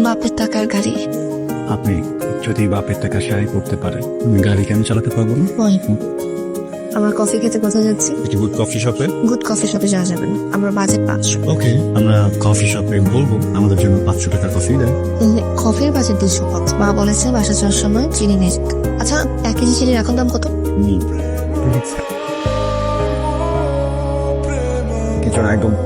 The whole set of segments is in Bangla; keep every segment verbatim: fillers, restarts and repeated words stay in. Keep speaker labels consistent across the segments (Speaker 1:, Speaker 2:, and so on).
Speaker 1: বাপের টাকার গাড়ি।
Speaker 2: আপনি যদি বাপের টাকা শেয়ার করতে পারেন গাড়ি কেন চালাতে পারবো না?
Speaker 1: আমার কফি খেতে কোথায় যাচ্ছি?
Speaker 2: গুড কফি শপে।
Speaker 1: গুড কফি শপে যাওয়া যাবে না, আমার বাজেট পাঁচশো।
Speaker 2: ওকে, আমরা কফি শপে বলবো আমাদের জন্য পাঁচশো টাকা কফি দেন।
Speaker 1: কফির বাজেট দুশো কত? মা বলেছে বাসা যাওয়ার সময় চিনি নিয়ে যেতে। আচ্ছা, এক কেজি চিনির এখন দাম কত?
Speaker 2: কিছু না, একদম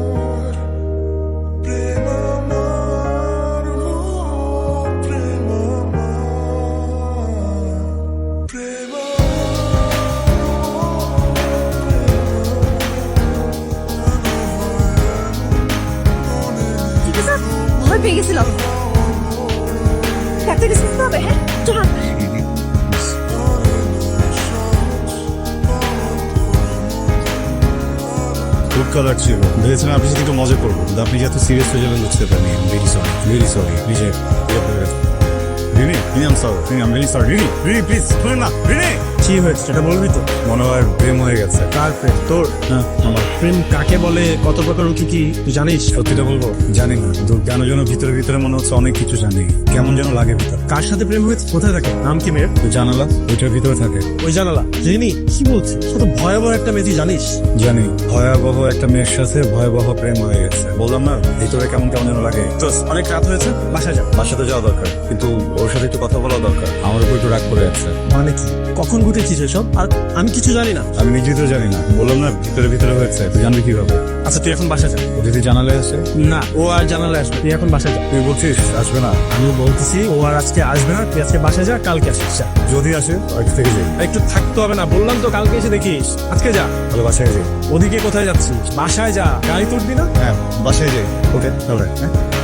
Speaker 1: ঠিক আছে, ভয় পেয়ে গেছিলাম। ডাক্তারকে শুনতে হবে। হ্যাঁ চলো।
Speaker 2: খুব কালার ছিল, ভেবেছিলাম আপনি সাথে একটু মজা করবো, কিন্তু আপনি যত সিরিয়াস হয়ে যাবেন বুঝতে পারিনি। Very sorry, very sorry. নিজে Rini, Rini I'm sorry, Rini I'm very sorry. Rini, Rini please শুনুন না। রিনি,
Speaker 3: কি হয়েছে সেটা বলবি তো?
Speaker 2: মনে হয় প্রেম হয়ে গেছে।
Speaker 3: কার প্রেম? তোর?
Speaker 2: হ্যাঁ আমার।
Speaker 3: প্রেম কাকে বলে, কত প্রকার কি কি তুই জানিস?
Speaker 2: সত্যিটা বলবো জানি না, তো কেন যেন ভিতরে ভিতরে মনে হচ্ছে অনেক কিছু জানি, কেমন যেন লাগে ভিতর।
Speaker 3: কার সাথে প্রেম হয়েছে? কোথায় থাকে? নাম কি মেয়ের?
Speaker 2: তো জানালা ওইটার ভিতরে থাকে।
Speaker 3: ওই জানালা রিনি? কি বলছিস? কত ভয়াবহ একটা মেয়ে, তুই জানিস?
Speaker 2: জানি, ভয়াবহ একটা মেয়ের সাথে ভয়াবহ প্রেম হয়ে গেছে। বললাম না, ভিতরে কেমন কেমন যেন লাগে।
Speaker 3: তো অনেক রাত হয়েছে, বাসা যা।
Speaker 2: বাসাতে যাওয়া দরকার, কিন্তু ওর সাথে একটু কথা বলা দরকার। আমার উপর একটু রাগ করে আছে।
Speaker 3: মানে কি, কখন ঘটেছিস এসব? আর আমি কিছু জানি না।
Speaker 2: আমি নিজেই তো জানি না, বললাম না ভিতরে ভিতরে হয়েছে, তুই জানবি কিভাবে?
Speaker 3: আচ্ছা তুই এখন বাসা যা।
Speaker 2: ও যদি জানালে আসে?
Speaker 3: না, ও আর জানালে আসবে, তুই এখন বাসা যা।
Speaker 2: তুই বলছিস আসবে না?
Speaker 3: আমি বলতেছি ও আর আজকে আসবে না, তুই আজকে বাসা যা, কালকে আসিস। যা।
Speaker 2: যদি আসে আজ থেকে যাই।
Speaker 3: একটু থাকতে হবে না, বললাম তো কালকে এসে দেখিস। আজকে যা।
Speaker 2: তাহলে বাসায় যাই।
Speaker 3: ওদিকে কোথায় যাচ্ছিস? বাসায় যা, গাড়ি তুলবি না?
Speaker 2: হ্যাঁ বাসায় যাই। ওকে তাহলে হ্যাঁ।